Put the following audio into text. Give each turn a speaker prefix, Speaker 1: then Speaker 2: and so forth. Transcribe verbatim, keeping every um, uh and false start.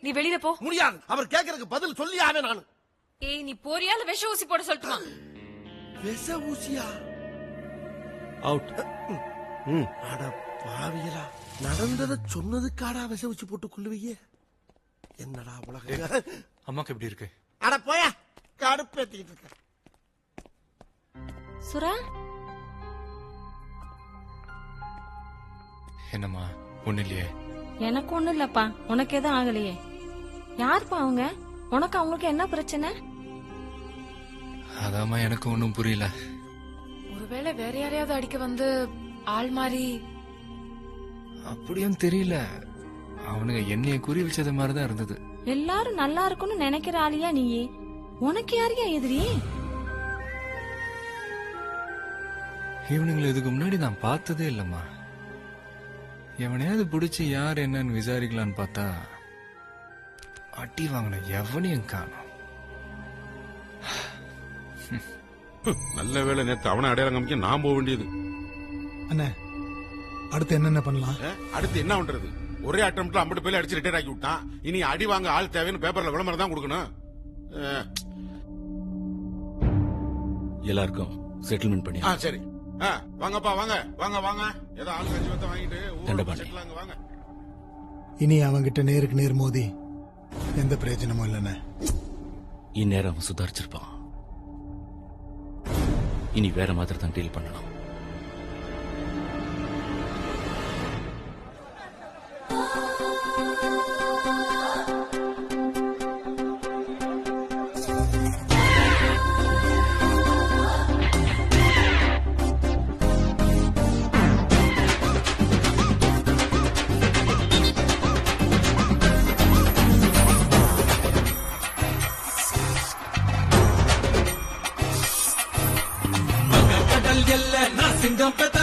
Speaker 1: நீ வெளியில போ.
Speaker 2: முடியாது. அவர் கேக்குறதுக்கு பதில் சொல்லியாவே நானு.
Speaker 1: ஏய் நீ போறியா இல்ல விஷ ஊசி போட சொல்லட்டுமா?
Speaker 2: விஷ ஊசியா?
Speaker 3: அவுட்.
Speaker 2: அட பாவியலா, நடந்தத சொன்னதுக்காடா விஷ ஊசி போட்டு கொள்ளுவீங்க? என்னடா உலக.
Speaker 3: அம்மாக்கு எப்படி இருக்கு?
Speaker 2: அட போயா, கடுப்பேத்திட்டு இருக்க.
Speaker 4: சுரா,
Speaker 3: என்னம்மா ஒண்ணு இல்லையே?
Speaker 4: எனக்கு ஒண்ணும் இல்லப்பா. உனக்கு எதுவும் ஆகலையே? யாருப்பா அவங்க? உனக்கு அவங்களுக்கு என்ன பிரச்சனை?
Speaker 3: அதாம்மா எனக்கு ஒன்னும் புரியல.
Speaker 1: ஒருவேளை வேற யாரையாவது அடிக்க வந்து ஆள் மாறி.
Speaker 3: அப்படியும் தெரியல, அவனுங்க என்னைய குறி வச்சது மாதிரிதான் இருந்தது.
Speaker 4: எல்லாரும் நல்லா இருக்கும்னு நினைக்கிற ஆளியா நீயே? உனக்கு யாரையா எதிரி?
Speaker 3: இவனுங்களை இதுக்கு முன்னாடி நான் பார்த்ததே இல்லம்மா. எவனையாவது பிடிச்சி யார் என்னன்னு விசாரிக்கலான்னு பார்த்தா அடி வாங்கின எவனையும் காணும்.
Speaker 5: நல்ல வேலை நேத்து அவனை அடையாளம் காமிக்க நான் போக வேண்டியது.
Speaker 6: அண்ணே, அடுத்து என்னென்ன பண்ணலாம்?
Speaker 5: அடுத்து என்ன பண்றது? ஒரே அட்டம்ப்ட்ல ஐம்பது பேர் அடிச்சு ரிட்டையர் ஆக்கி விட்டான். இனி அடி வாங்க ஆள் தேவைன்னு பேப்பர்ல விளம்பரம் தான் கொடுக்கணும்.
Speaker 7: எல்லாருக்கும் செட்டில்மெண்ட் பண்ணி.
Speaker 5: ஆ சரி. ஆ, வாங்கப்பா வாங்க வாங்க வாங்க. ஏதோ ஆள் கட்சி வத்த வாங்கிட்டு
Speaker 7: தண்டபாணி.
Speaker 5: செட்டிலாங்க வாங்க.
Speaker 6: இனி அவங்கிட்ட நேருக்கு நேர் மோதி எந்த பிரயோஜனமும் இல்லைண்ணே.
Speaker 7: இந்நேரம் அவன் சுதாரிச்சிருப்பான். இனி வேற மாதிரி தான் டீல் பண்ணணும்.
Speaker 8: சிங்கம்